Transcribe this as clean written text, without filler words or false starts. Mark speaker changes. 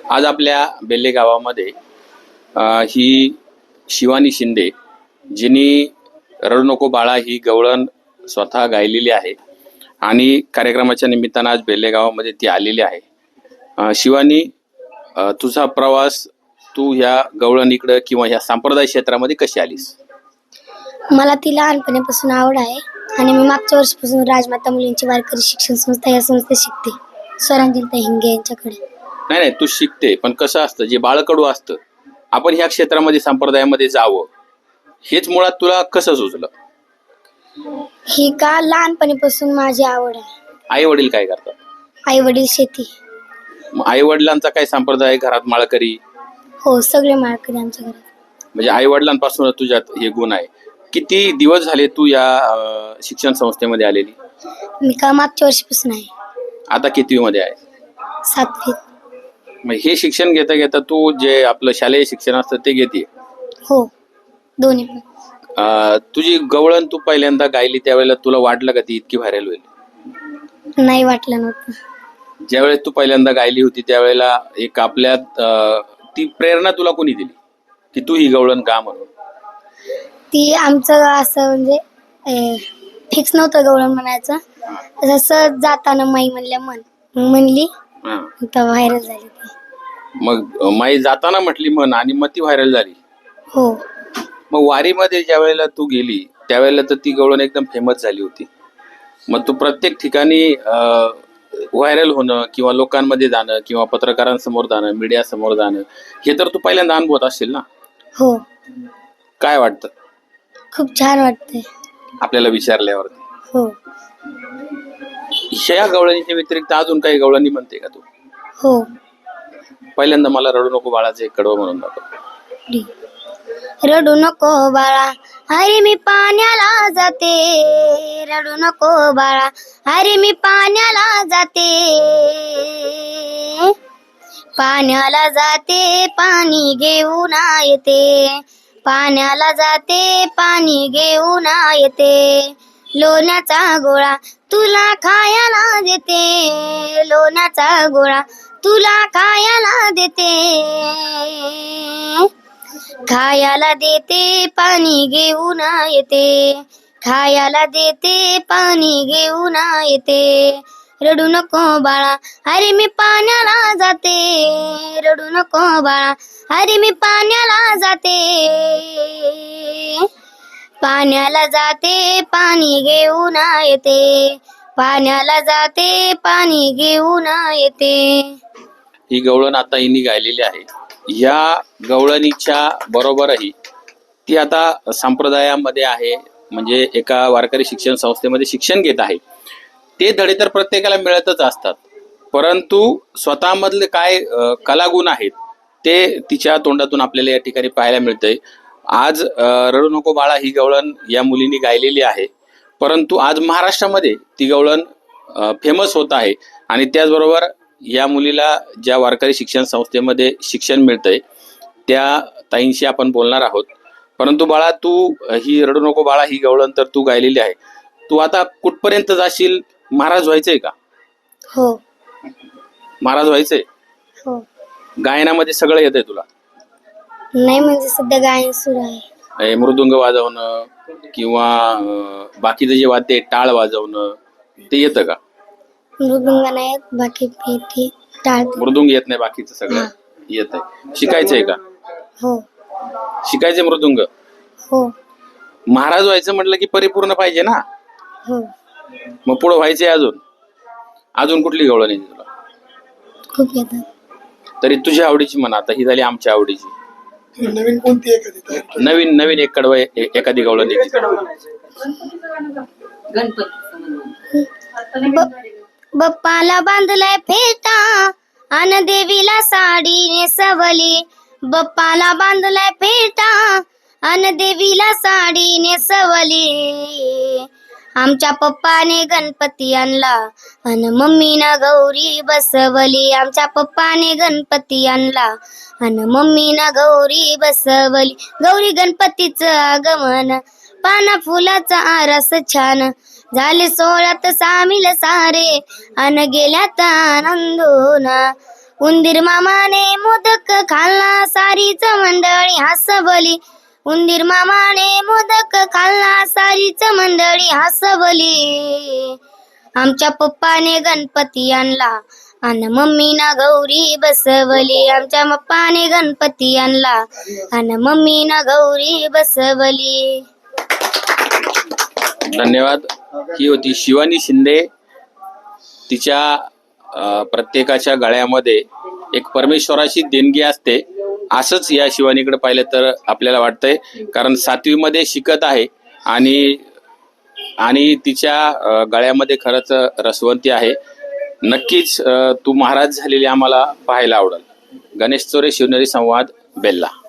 Speaker 1: आज आपल्या बेल्ले गावामध्ये ही शिवानी शिंदे जिनी रडू नको बाळा ही गवळण स्वतः गायलेली आहे आणि कार्यक्रमाच्या निमित्तानं आज बेल्ले गावामध्ये ती आलेली आहे. शिवानी, तुझा प्रवास तू ह्या गवळणीकडे किंवा ह्या संप्रदाय क्षेत्रामध्ये कशी आलीस?
Speaker 2: मला ती लहानपणापासून आवड आहे आणि मी मागच्या वर्षीपासून राजमाता मुलींची वारकरी शिक्षण संस्था या संस्थेत शिकते, स्वरांजलीताई हिंगे यांच्याकडे.
Speaker 1: नाही, तू शिकते, पण कसं असतं, जे बाळकडू असतं, आपण ह्या क्षेत्रामध्ये संप्रदायामध्ये जावं, हेच मुळात तुला कसं सुचलं?
Speaker 2: ही का लहानपणीपासून माझी आवड आहे.
Speaker 1: आई वडील काय करतात?
Speaker 2: आई वडील शेती.
Speaker 1: आई वडिलांचा काय संप्रदाय, घरात माळकरी?
Speaker 2: हो, सगळे माळकरी आमच्या घरात.
Speaker 1: म्हणजे आई वडिलांपासून तुझ्यात हे गुण आहे. किती दिवस झाले तू या शिक्षण संस्थेमध्ये आलेली?
Speaker 2: मी का मागच्या वर्षीपासून आहे.
Speaker 1: आता कितवी मध्ये आहे?
Speaker 2: 7वी.
Speaker 1: मग हे शिक्षण घेता घेता तू जे आपलं शालेय शिक्षण असतं ते घेते?
Speaker 2: हो, दोन्ही पण.
Speaker 1: तुझी गवळण तू पहिल्यांदा गायली त्यावेळेला तुला वाटलं का ती इतकी व्हायरल होईल?
Speaker 2: नाही, वाटलं नव्हतं.
Speaker 1: ज्यावेळेस तू पहिल्यांदा गायली होती त्यावेळेला एक आपल्यात ती प्रेरणा तुला कोणी दिली की तू ही गवळण गा म्हणून?
Speaker 2: ती आमचं असं म्हणजे फिक्स नव्हतं गवळण म्हणायचं, असं जाताना माई म्हणली तर व्हायरल झाली ती.
Speaker 1: मग माई जाताना म्हटली म्हण आणि मग ती व्हायरल झाली?
Speaker 2: हो.
Speaker 1: मग वारीमध्ये ज्या वेळेला तू गेली त्यावेळेला तर ती गवळण एकदम फेमस झाली होती. मग तू प्रत्येक ठिकाणी व्हायरल होणं किंवा लोकांमध्ये जाणं किंवा पत्रकारांसमोर जाणं, मीडिया समोर जाणं, हे तर तू पहिल्यांदा अनुभवत असशील ना?
Speaker 2: हो.
Speaker 1: काय वाटतं?
Speaker 2: खूप छान वाटतंय
Speaker 1: आपल्याला विचारल्यावरती.
Speaker 2: हो.
Speaker 1: ह्या गवळणीच्या व्यतिरिक्त अजून काही गवळणी म्हणते का तू?
Speaker 2: हो.
Speaker 1: पहिल्यांदा मला रडू नको बाळाचं एक कडवं म्हणून दाखव.
Speaker 2: रडू नको बाळा, अरे मी पाण्याला जाते. रडू नको बाळा, अरे मी पाण्याला जाते. पाण्याला जाते, पाणी घेऊन येते. पाण्याला जाते, पाणी घेऊन येते. लोण्याचा गोळा तुला खायला देते. लोण्याचा गोळा तुला खायला देते. खायला देते, पाणी घेऊन येते. खायला देते, पाणी घेऊन येते. रडू नको बाळा, अरे मी पाण्याला जाते. रडू नको बाळा, अरे मी पाण्याला जाते. पाण्याला जाते, पाणी घेऊन येते. पाण्याला जाते, पाणी घेऊन येते.
Speaker 1: ही गवळण आता हिनी गायलेली आहे. या गवळणीच्या बरोबरही ती आता संप्रदायामध्ये आहे, म्हणजे एका वारकरी शिक्षण संस्थेमध्ये शिक्षण घेत आहे. ते धडे तर प्रत्येकाला मिळतच असतात, परंतु स्वतःमधले काय कलागुण आहेत ते तिच्या तोंडातून आपल्याला या ठिकाणी पाहायला मिळतंय. आज रडू नको बाळा ही गवळण या मुलीने गायलेली आहे, परंतु आज महाराष्ट्रामध्ये ती गवळण फेमस होत आहे. आणि त्याचबरोबर या मुलीला ज्या वारकरी शिक्षण संस्थेमध्ये शिक्षण मिळतंय त्या ताईंशी आपण बोलणार आहोत. परंतु बाळा, तू ही रडू नको बाळा ही गवळण तर तू गायलेली आहे, तू आता कुठपर्यंत जाशील? महाराज व्हायचंय का?
Speaker 2: हो.
Speaker 1: महाराज व्हायचंय?
Speaker 2: हो.
Speaker 1: गायनामध्ये सगळं येतंय तुला?
Speaker 2: नाही, म्हणजे सध्या गायन सुरू आहे.
Speaker 1: मृदुंग वाजवणं किंवा बाकीचं जे वाद्य आहे टाळ वाजवणं ते येतं का?
Speaker 2: मृदुंग नाही येत, बाकी टाळ.
Speaker 1: मृदुंग येत नाही, बाकीचं सगळं येतंय. शिकायचंय का?
Speaker 2: हो.
Speaker 1: शिकायचंय मृदुंग?
Speaker 2: हो.
Speaker 1: महाराज व्हायचं म्हटलं की परिपूर्ण पाहिजे ना?
Speaker 2: हो.
Speaker 1: मग पुढं व्हायचंय अजून कुठली गवळण आहे तुला?
Speaker 2: खूप येतात.
Speaker 1: तरी तुझ्या आवडीची म्हणा, आता ही झाली आमच्या आवडीची.
Speaker 3: नवीन कोणती एखादी?
Speaker 1: नवीन एक कडवं एखादी गवळण
Speaker 2: बप्पाला बांधलाय फेटा अन देवीला साडी नेसवली. बप्पाला बांधलाय फेटा अन देवीला साडी नेसवली. आमच्या पप्पाने गणपती आणला अन मम्मीनं गौरी बसवली. आमच्या पप्पाने गणपती आणला अन मम्मीनं गौरी बसवली. गौरी गणपतीचं आगमन, पाना फुलाचा आरस छान, झाले सोहळ्यात सामील सारे अन गेल्यात आनंदोना. उंदीर मामाने मोदक खाल्ला सारीच मंडळी हसवली. उंदीर मामाने मोदक खाल्ला सारीच मंडळी हसवली. आमच्या पप्पाने गणपती आणला आणि मम्मीना गौरी बसवली. आमच्या पप्पाने गणपती आणला आणि मम्मीना गौरी बसवली.
Speaker 1: धन्यवाद. ही होती शिवानी शिंदे. तिच्या प्रत्येकाच्या गळ्यामध्ये एक परमेश्वराची देणगी असते, असंच या शिवानीकडे पाहिलं तर आपल्याला वाटतंय. कारण 7वी मध्ये शिकत आहे आणि तिच्या गळ्यामध्ये खरंच रसवंती आहे. नक्कीच तू महाराज झालेली आम्हाला पाहायला आवडेल. गणेश चोरे, शिवनेरी संवाद, बेल्ला.